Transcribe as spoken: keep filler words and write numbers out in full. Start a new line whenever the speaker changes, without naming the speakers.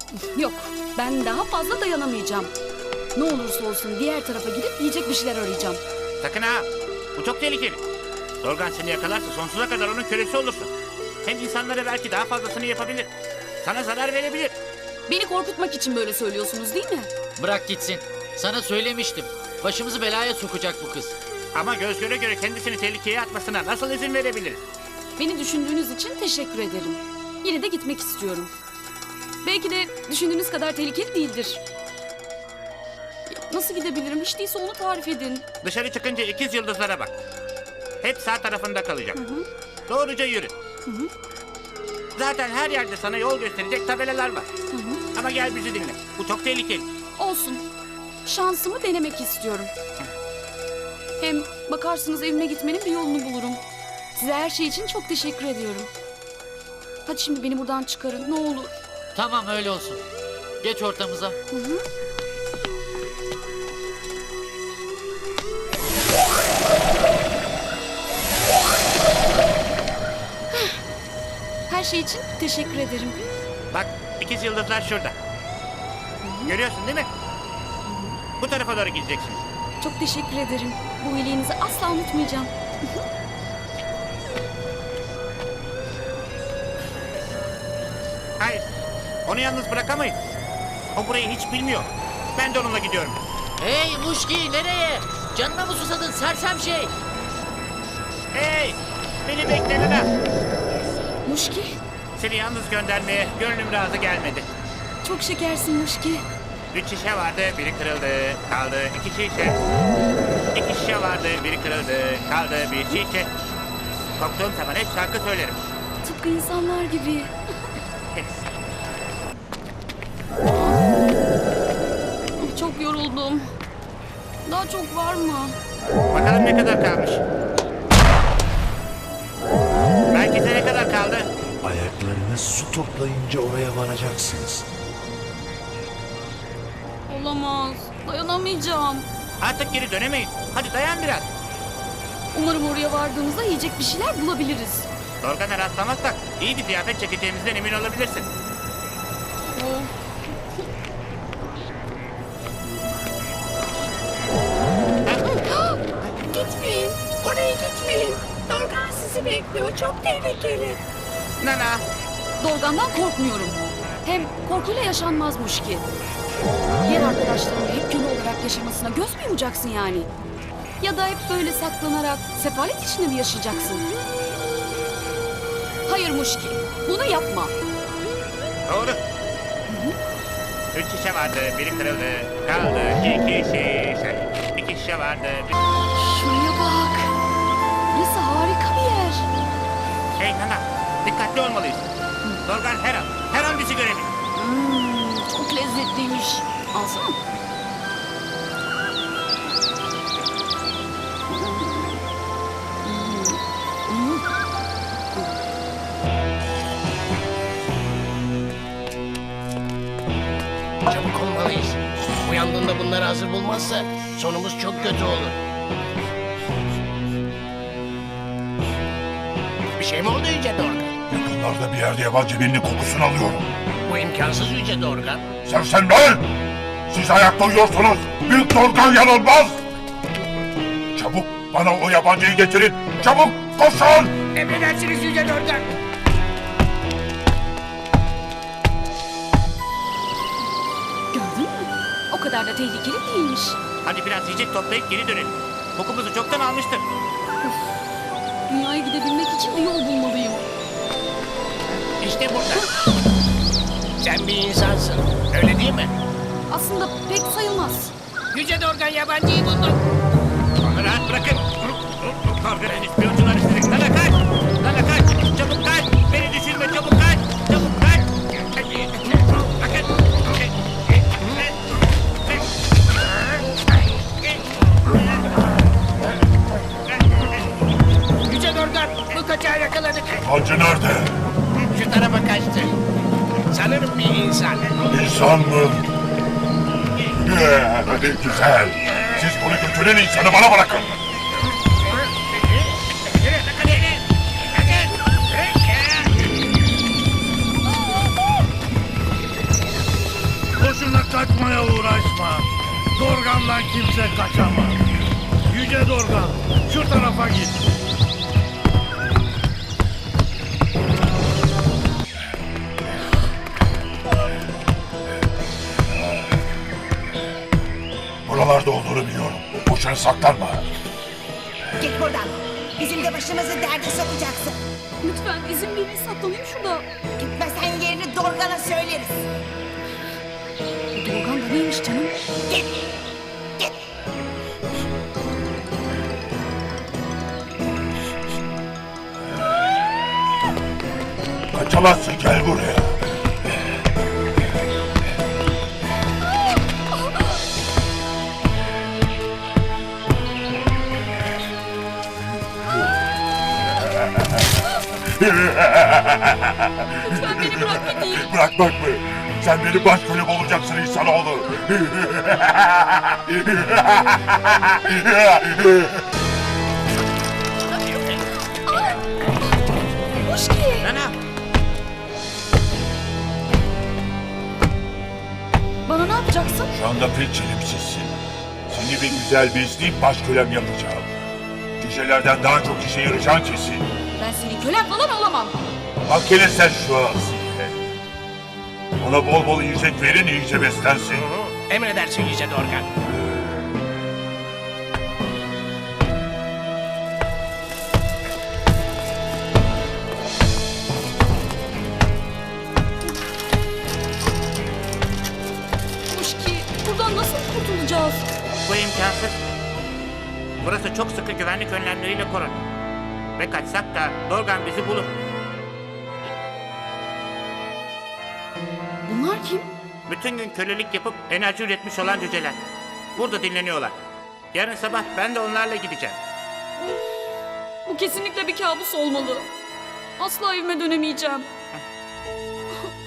Yok, ben daha fazla dayanamayacağım. Ne olursa olsun diğer tarafa gidip yiyecek bir şeyler arayacağım.
Sakın ha. Bu çok tehlikeli. Dorgan seni yakalarsa sonsuza kadar onun kölesi olursun. Hem insanlara belki daha fazlasını yapabilir. Sana zarar verebilir.
Beni korkutmak için böyle söylüyorsunuz değil mi?
Bırak gitsin. Sana söylemiştim. Başımızı belaya sokacak bu kız.
Ama göz göre göre kendisini tehlikeye atmasına nasıl izin verebiliriz?
Beni düşündüğünüz için teşekkür ederim. Yine de gitmek istiyorum. Belki de düşündüğünüz kadar tehlikeli değildir. Nasıl gidebilirim? Hiç değilse onu tarif edin.
Dışarı çıkınca ikiz yıldızlara bak. Hep sağ tarafında kalacak. Doğruca yürü. Zaten her yerde sana yol gösterecek tabelalar var. Ama gel bizi dinle. Bu çok tehlikeli.
Olsun. Şansımı denemek istiyorum. Hem bakarsınız evime gitmenin bir yolunu bulurum. Size her şey için çok teşekkür ediyorum. Hadi şimdi beni buradan çıkarın ne olur.
Tamam öyle olsun. Geç ortamıza.
Her şey için teşekkür ederim.
Bak ikiz yıldızlar şurada. Görüyorsun değil mi? Bu tarafa doğru gideceksin.
Çok teşekkür ederim. Bu iyiliğinizi asla unutmayacağım.
Hayır. Onu yalnız bırakamayız. O burayı hiç bilmiyor. Ben de onunla gidiyorum.
Hey Muşki nereye? Canına mı susadın sersem şey?
Hey! Beni bekle Luna.
Muşki,
Seni yalnız göndermeye gönlüm razı gelmedi.
çok şekersin Muşki.
Üç şişe vardı, biri kırıldı. Kaldı iki şişe. İki şişe vardı, biri kırıldı. Kaldı bir şişe. Korktuğum zaman hep şarkı söylerim.
Tıpkı insanlar gibi. Çok yoruldum. Daha çok var mı?
Bakalım ne kadar kalmış. Merkeze ne kadar kaldı?
Ayaklarını su toplayınca oraya varacaksınız.
Olamaz. Dayanamayacağım.
Artık geri dönemeyiz. Hadi dayan biraz.
Umarım oraya vardığımızda yiyecek bir şeyler bulabiliriz.
Dorgan'a rastlamazsak iyi bir ziyafet çekeceğimizden emin olabilirsin.
Of.
Gitmeyin. Oraya gitmeyin. Dorgan sizi bekliyor. Çok tehlikeli.
Nana,
Dorgan'dan korkmuyorum. Hem korkuyla yaşanmazmış ki. Diğer arkadaşlarının hep köle olarak yaşamasına göz mü yumacaksın yani? Ya da hep böyle saklanarak sefalet içinde mi yaşayacaksın? Hayır Muşki, bunu yapma.
doğru. Üç şişe vardı, biri kırıldı. Kaldı iki şişe. İki şişe vardı. Bir...
Şuraya bak. Burası harika bir yer.
Hey Nana, dikkatli olmalıyız. Dorgan her an, her an bizi görebilir.
Hmm, çok lezzetliymiş. Alsana.
Çabuk olmalıyız. Uyandığında bunları hazır bulmazsa sonumuz çok kötü olur. Bir şey mi oldu Yüce Dorgan?
Yakınlarda bir yerde yabancı birinin kokusunu alıyorum.
Bu imkansız Yüce Dorgan.
Sersemler! Siz ayakta uyuyorsunuz. Büyük Dorgan yanılmaz. Çabuk bana o yabancıyı getirin. Çabuk koşun!
Emredersiniz Yüce Dorgan.
Gördün mü? O kadar da tehlikeli değilmiş.
Hadi biraz yiyecek toplayıp geri dönelim. Kokumuzu çoktan almıştır.
Dünyaya gidebilmek için bir yol bulmalıyım.
İşte burada. Sen bir insansın. Öyle değil mi?
Aslında pek sayılmaz.
Yüce Dorgan yabancıyı bulduk.
Onu rahat bırakın. Dorgan'ın ispiyoncuları sizi. Nana kaç! Nana kaç! Çabuk kaç! Beni düşünme çabuk kaç! Çabuk kaç! Bakın!
Yüce Dorgan bu kaçağı yakaladık.
Yabancı nerede?
Şu tarafa kaçtı. Sanırım bir insan.
İnsan mı? Ee, hadi güzel. Siz bunu götüren insanı bana bırakın.
kaçmaya uğraşma. Dorgan'dan kimse kaçamaz. Yüce Dorgan, şu tarafa git.
Buralarda olduğunu biliyorum. Boşuna saklanma.
Git buradan. Bizim de başımızı derde sokacaksın.
Lütfen izin verin saklanayım şurada.
Gitmezsen yerini Dorgan'a söyleriz.
Dorgan da neymiş canım?
Git. Git.
Kaçamazsın, gel buraya.
Lütfen beni bırak gideyim.
Bırakmak mı? Sen benim baş kölem olacaksın insanoğlu.
Muşki.
Nana.
Bana ne yapacaksın?
Şu anda pek çelimsizsin. Seni bir güzel besleyip baş kölem yapacağım. Cücelerden daha çok işe yarayacağın kesin.
Ben senin kölen falan olamam.
Bak hele sen şu Asiye. Ona bol bol yiyecek verin, iyice beslensin.
Emredersin Yüce Dorgan.
Muşki, buradan nasıl kurtulacağız?
Bu imkansız. Burası çok sıkı güvenlik önlemleriyle korunuyor. Ve kaçsak da Dorgan bizi bulur.
Bunlar kim?
Bütün gün kölelik yapıp enerji üretmiş olan cüceler. Burada dinleniyorlar. Yarın sabah ben de onlarla gideceğim.
Bu kesinlikle bir kabus olmalı. Asla evime dönemeyeceğim.